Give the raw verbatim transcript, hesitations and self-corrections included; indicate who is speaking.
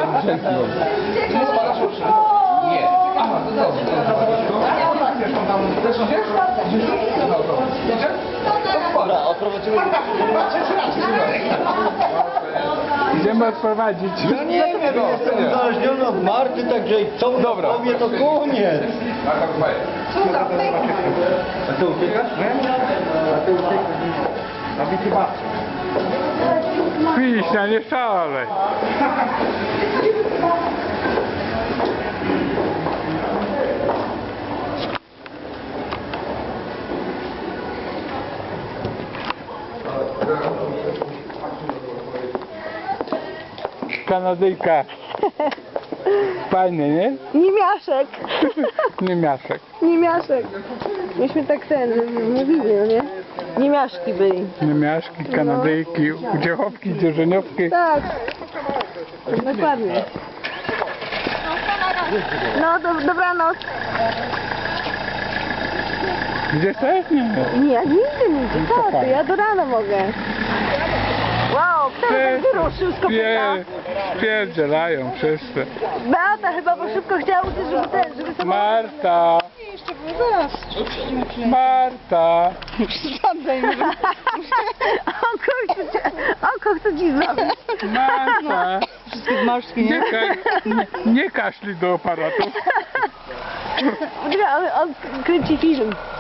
Speaker 1: Dzięki. Czy nie spadasz już? Nie. Aha, to dobrze. Wiesz, on tam też idziesz? Idziesz? No to. Idziesz?
Speaker 2: Dobra, odprowadzimy.
Speaker 3: Idziemy odprowadzić.
Speaker 2: Ja nie wiem, jestem uzależniony od Marty, także co
Speaker 3: Dobra.
Speaker 2: powie, to koniec.
Speaker 1: Marta, słuchaj.
Speaker 2: A ty uciekasz? A ty uciekasz? A mi chyba.
Speaker 3: Piśnia, nie szalej. Kanadyjka. Fajny, nie?
Speaker 4: Niemiaszek.
Speaker 3: Niemiaszek.
Speaker 4: Niemiaszek. Myśmy tak ten mówili, no nie? Niemiaszki byli.
Speaker 3: Niemiaszki, Kanadyjki, udziałowki, dzierżoniowki.
Speaker 4: Tak. Dokładnie. No, do, dobranoc.
Speaker 3: Gdzie chcesz? Nie.
Speaker 4: Nie, ja nigdy nie idę. Co ty? Ja do rana mogę. Wow, kto tak wyruszył z kopyta?
Speaker 3: Pierdzielają wszyscy.
Speaker 4: Beata chyba, bo szybko chciała uciec, żeby ten, żeby samochód...
Speaker 3: Marta!
Speaker 4: Jeszcze zaraz.
Speaker 3: Marta!
Speaker 4: Przesadzaj, może... Oko chce cię, oko chce ci zrobić.
Speaker 3: Marta!
Speaker 4: Wszystkie zmarszki,
Speaker 3: Nie, ka nie, nie kaszli do aparatu.
Speaker 4: Poczekaj, on, on kręci film.